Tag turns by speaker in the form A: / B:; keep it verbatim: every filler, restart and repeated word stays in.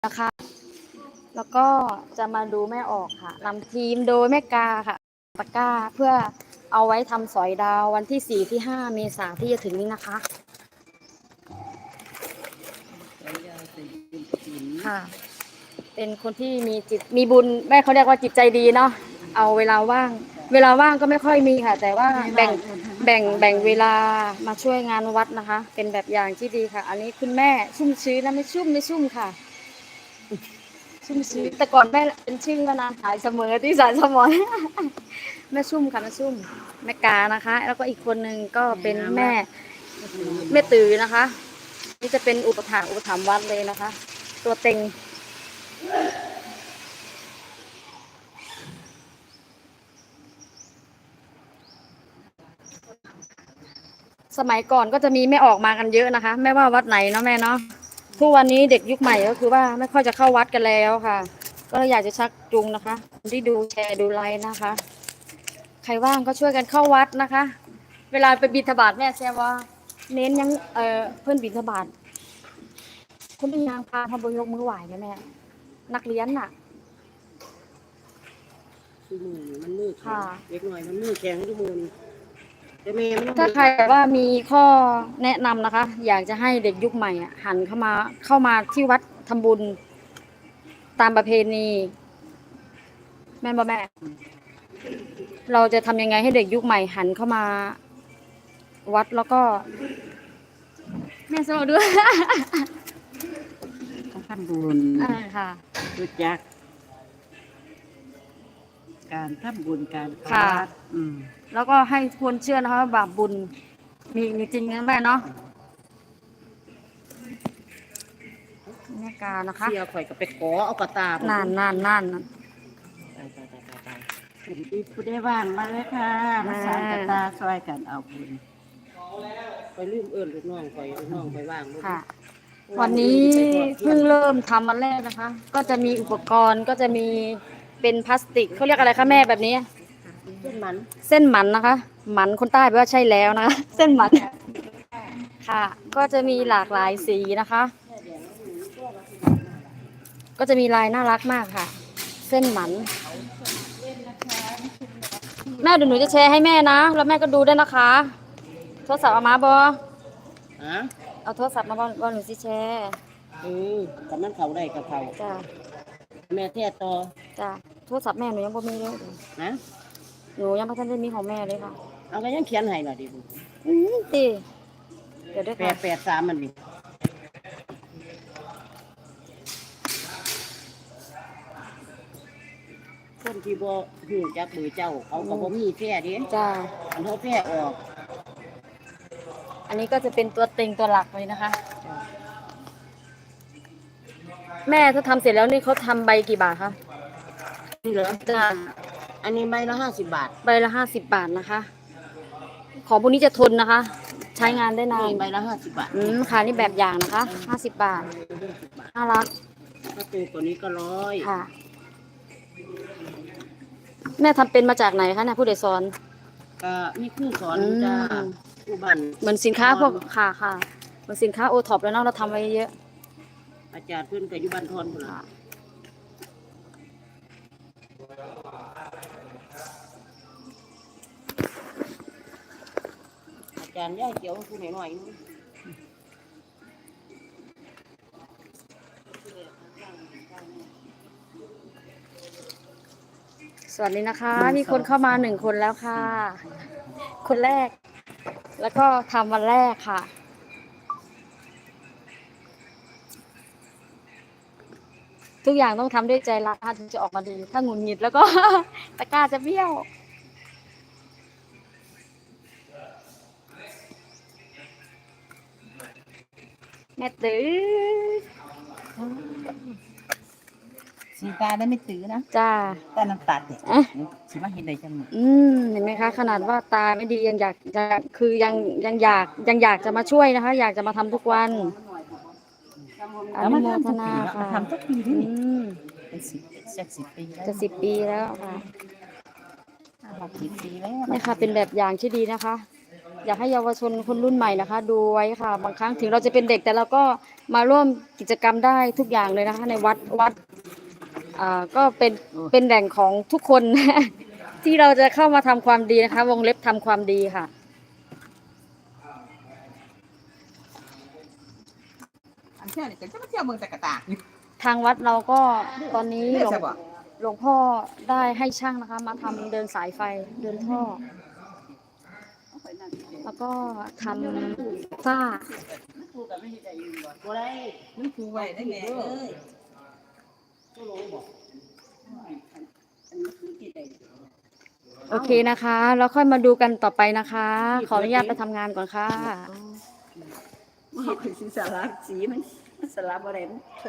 A: นะคะแล้วก็จะมาดูแม่ออกค่ะนำทีมโดยแม่กาค่ะตะกร้าเพื่อเอาไว้ทำสอยดาววันที่สี่ที่ห้าเมษายนที่จะถึงนี้นะคะค่ะเป็นคนที่มีจิตมีบุญแม่เขาเรียกว่าจิตใจดีเนาะเอาเวลาว่างเวลาว่างก็ไม่ค่อยมีค่ะแต่ว่าแบ่งแบ่งแบ่งเวลามาช่วยงานวัดนะคะเป็นแบบอย่างที่ดีค่ะอันนี้คุณแม่ชุ่มชื้นนะไม่ชุ่มไม่ชุ่มค่ะชุ่มชื้นแต่ก่อนแม่เป็นชื่อมานานหายเสมอที่สายสมอนแม่ชุ่มค่ะแม่ชุ่มแม่กานะคะแล้วก็อีกคนนึงก็เป็นแม่แม่ตือนะคะนี่จะเป็นอุปถากอุปถัมภ์วัดเลยนะคะตัวเต็งสมัยก่อนก็จะมีแม่ออกมากันเยอะนะคะไม่ว่าวัดไหนเนาะแม่เนาะทุกวันนี้เด็กยุคใหม่ก็คือว่าไม่ค่อยจะเข้าวัดกันแล้วค่ะก็เลยอยากจะชักจูงนะคะที่ดูแชร์ดูไลน์นะคะใครว่างก็ช่วยกันเข้าวัดนะคะเวลาไปบิณฑบาตแม่แซวว่าเน้นยังเออเพื่อนบิณฑบาตคุณเป็นนางพาทำบุญยกมือไหวไหมแม่นักเรียนน่ะ
B: มือมันมือแข็งเล็กหน่อยมันมือแข็งทุกมือแต่แม่มัน
A: ถ้าใครว่ามีข้อแนะนำนะคะอยากจะให้เด็กยุคใหม่อ่ะหันเข้ามาเข้ามาที่วัดทำบุญตามประเพณีแม่บ่แม่เราจะทำยังไงให้เด็กยุคใหม่หันเข้ามาวัดแล้วก็แม่สวัสดีด้วย
B: ทำบุญ
A: ค่ะ
B: รู้จักการทำบุญการ
A: ค่ะ
B: อืม
A: แล้วก็ให้ควรเชื่อนะคะว่าบาปบุญมีมีจริงนะแม่เนาะแม่กานะคะ
B: เสียข่อยก็ไปขอเอากระตาน
A: านนานนาน
B: ตายตายตายตายตายคุณพี่ผู้ได้ว่างมาเลยค่ะมาสานกระตาช่วยกันเอาบุญไปลืมเอิญลูกน้องข่อยลูกน้องไปว่าง
A: ค่ะวันนี้เพิ่งเริ่มทำวันแรกนะคะก็จะมีอุปกรณ์ก็จะมีเป็นพลาสติกเขาเรียกอะไรคะแม่แบบนี้
B: เส้นมัน
A: เส้นหมันนะคะหมันคนใต้แปลว่าใช่แล้วนะคะเส้นหมันค่ะก็จะมีหลากหลายสีนะคะก็จะมีลายน่ารักมากค่ะเส้นหมันแม่เดี๋ยวหนูจะแชร์ให้แม่นะแล้วแม่ก็ดูได้นะคะโทรศัพท์เอามาบอเอาโทรศัพท์มาบอหนูสิแชร์
B: เออกับมันเขาได้กับเขา
A: จ้า
B: แม่แท้ต่อ
A: จ้าโทรศัพท์แม่หนูยังบ่มีเลย
B: นะ
A: หนูยังไม่ทันได้มีของแม่เลยค่ะ
B: เอาก็ยังเขียนให้หน่อยดิบุ
A: อืมดีเดี๋ยวได้
B: แปดแปดสามมันดิคนที่บ่หูจักเบอร์เจ้าเขาก็บ่มีแท้ดิ
A: จ้า
B: อันเขาแท้ออก
A: อันนี้ก็จะเป็นตัวเต็งตัวหลักเลยนะคะแม่ถ้าทำเสร็จแล้วนี่เขาทำใบกี่บาทคะ
B: นี่เหรอจ้าอันนี้ใบละห้าสิบบาท
A: ใบละห้าสิบบาทนะคะของพวกนี้จะทนนะคะใช้งานได้นาน
B: ใบละห้าสิบบาท
A: อืมค่ะนี่แบบอย่างนะคะห้าสิบบาทน่ารัก
B: ถ้าตัวตัวนี้ก็ร้อย
A: ค่ะแม่ทำเป็นมาจากไหนคะเนี่ยผู้ใดสอน
B: ก็มีครูสอนจ้าครูบัน
A: เหมือนสินค้าพวกค่ะค่ะเหมือนสินค้าโอท็อปแล้วเนาะเราทำไว้เยอะ
B: อาจารย์เพื่อนกับยุบันทอนคนละอาจารย์ย่าเกี่ยวคุณหน่อยหน่อย
A: สวัสดีนะคะมีคนเข้ามาหนึ่งคนแล้วค่ะคนแรกแล้วก็ทำวันแรกค่ะทุกอย่างต้องทำด้วยใจรักถึงจะออกมาดีถ้าหงุดหงิดแล้วก็ตะกร้าจะเบี้ยวแม่ตื้อ
B: สีตาได้ไม่ตื้อนะ
A: จ้า
B: ตาน้ำตาเด็กสีมาเห็นได้จัง
A: อืมเห็นไหมคะขนาดว่าตาไม่ดียังอยากจะคือยังยังอยากยังอยากจะมาช่วยนะคะอยากจะมาทำทุกวันอนุโมทนาค่ะ
B: ทำทุกปีที่นี่เป็นสิบจะสิบปี
A: จะสิบปีแล้วค่ะ
B: หกสิบปีแล้ว
A: นี่ค่ะเป็นแบบอย่างที่ดีนะคะอยากให้เยาวชนคนรุ่นใหม่นะคะ ดูไว้ค่ะ บางครั้งถึงเราจะเป็นเด็กแต่เราก็มาร่วมกิจกรรมได้ทุกอย่างเลยนะคะ ในวัดวัดอ่าก็เป็นเป็นแหล่งของทุกคน ที่เราจะเข้ามาทำความดีนะคะ วงเล็บทำความดีค่ะ
C: อันเที่ยวนี่ก็จะมาเที่ยวเมืองตะกะตากนี่
A: ทางวัดเราก็ตอนนี้
C: เรีย
A: หลวง
C: กใช่ปะ
A: หลวงพ่อได้ให้ช่างนะคะ มาทำเดินสายไฟเดินท่อ แล้วก็ทำฝ้า
B: คู่กันไม่ได้ใจอยู่บ่บ่ได้
C: มันครูไว้ได้แม่เอ้ย
A: โอเคนะคะ แล้วค่อยมาดูกันต่อไปนะคะ ขออนุญาตไปทำงานก่อนค่ะ
B: มันสิสลับสีมันมันสลับบ่ได้มัน